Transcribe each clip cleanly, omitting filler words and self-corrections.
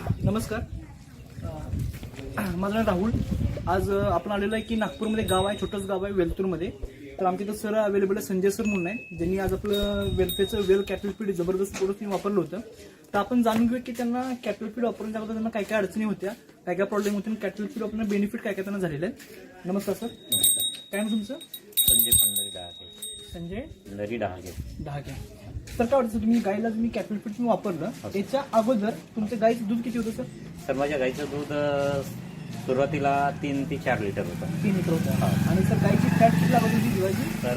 नमस्कार. माझं नाव राहुल. आज आपण आलेलो आहे की नागपूरमध्ये गाव आहे, छोटंच गाव आहे वेलतूरमध्ये. तर आमच्या इथं सर अवेलेबल आहे, संजय सर म्हणून आहे, ज्यांनी आज आपलं वेलफेअरचं वेल कॅटल फीड जबरदस्त प्रोडक्ट वापरलं होतं. तर आपण जाणून घेऊया की त्यांना कॅटल फीड वापरण्याच्या अगोदर त्यांना काय काय अडचणी होत्या, काय काय प्रॉब्लेम होते, कॅटल फीड वापरण्याचं बेनिफिट काय काय त्यांना झालेलं आहे. नमस्कार सर. नमस्कार. काय नाव तुमचं? संजय पंढरी डहाके. संजय लरी डहाके. ढाके. तर काय वाटतं तुम्ही गाईला तुम्ही कॅटल फीड तुम्ही वापरलं, त्याच्या अगोदर तुमच्या गाईचं दूध किती होतं सर? सर माझ्या गाईचं दूध सुरुवातीला 3 ते 4 लिटर होतं. 3 लिटर होतं. हा. आणि सर गाईची फॅट किती लागत होती दिवाळीची? तर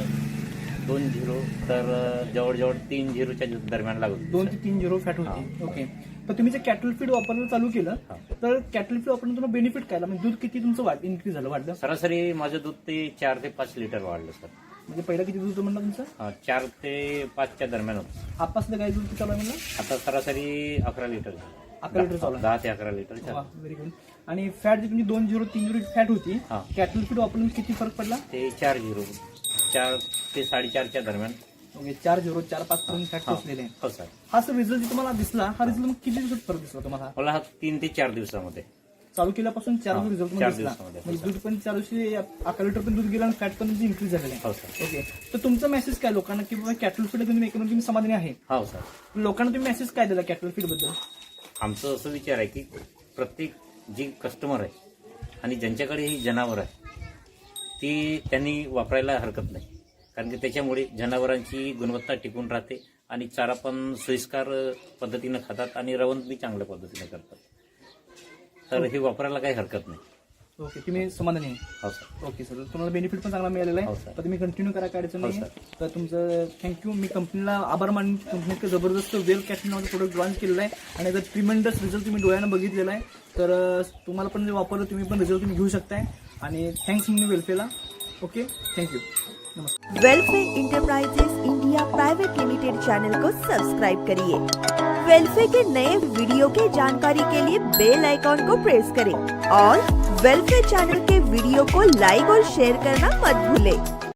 2-0 तर जवळजवळ 3-0च्या दरम्यान लागत होती. 2 ते 3 झिरो फॅट होती. ओके. तर तुम्ही जे कॅटल फीड वापरायला चालू केलं, हा. तर कॅटल फीड वापरून तुम्हाला बेनिफिट काय आला? म्हणजे दूध किती तुमचं इन्क्रीज झालं, वाढलं? सरासरी माझं दूध ते 4 ते 5 लिटर वाढलं सर. म्हणजे पहिलं किती दूध होतं म्हणलं तुमचं? 4 ते 5च्या दरम्यान होतं. आपासलं गाई दूध किती चालू आहे म्हणलं? आता सरासरी 11 लिटर. 11 लिटर चालू आहे. 10 ते 11 लिटर वा, व्हेरी गुड. आणि फॅट जी तुमची 2-0-3 फॅट होती, हा. कॅटल फीड वापरून किती फरक पडला? ते 4-0 4 ते 4.5च्या दरम्यान. ओके. 4-0-4-5 पर्यंत फॅट पोहोचलेले आहे. हो सर. हा सर रिझल्ट तुम्हाला दिसला, हा रिझल्ट मग किती दिवसात फरक दिसला तुम्हाला? मला 3 ते 4 दिवसामध्ये चालू केल्यापासून 4 हा, रिझल्ट 4 दिसला. दिवसामध्ये. म्हणजे दूध पण 4 दिवशी 11 लिटर पण दूध गेलं आणि फॅट पण इन्क्रीज झालेलं आहे. हो सर. ओके. तर तुमचा मेसेज काय लोकांना की बाबा कॅटल फीड तुम्ही एकूण तुम्ही समाधानी आहे? हो सर. लोकांना तुम्ही मेसेज काय दिला कॅटल फीड बद्दल? आमचं असं विचार आहे की प्रत्येक जी कस्टमर आहे आणि ज्यांच्याकडे ही जनावर आहे ती त्यांनी वापरायला हरकत नाही, कारण की त्याच्यामुळे जनावरांची गुणवत्ता टिकून राहते आणि चारा पण सोयीस्कर पद्धतीनं खातात आणि रवंत बी चांगल्या पद्धतीने करतात. तर हे वापरायला काही हरकत नाही. ओके. तुम्ही समाधानी आहे? हो सर. Okay sir. तुम्हाला बेनिफिट पण चांगला मिळालेला हो आहे. सर. तर तुम्ही कंटिन्यू करा, काय अडचण हो नाही. सर. तर तुमचं थँक्यू. मी कंपनीला आभार मानून कंपनीचं जबरदस्त वेल कॅटल नावाचं प्रोडक्ट लॉन्च केलेलं आहे आणि याचा ट्रिमेंडस रिझल्ट तुम्ही डोळ्यानं बघितलेला आहे. तर तुम्हाला पण जे वापरलं तुम्ही पण रिझल्ट तुम्ही घेऊ शकताय. आणि थँक्स मी वेलफेअरला. ओके. थँक्यू. नमस्कार. Welfare enterprises India private limited channel को सब्सक्राइब करिए। वेलफेयर के नए वीडियो के जानकारी के लिए बेल आइकॉन को प्रेस करें और वेलफेयर चैनल के वीडियो को लाइक और शेयर करना मत भूलें।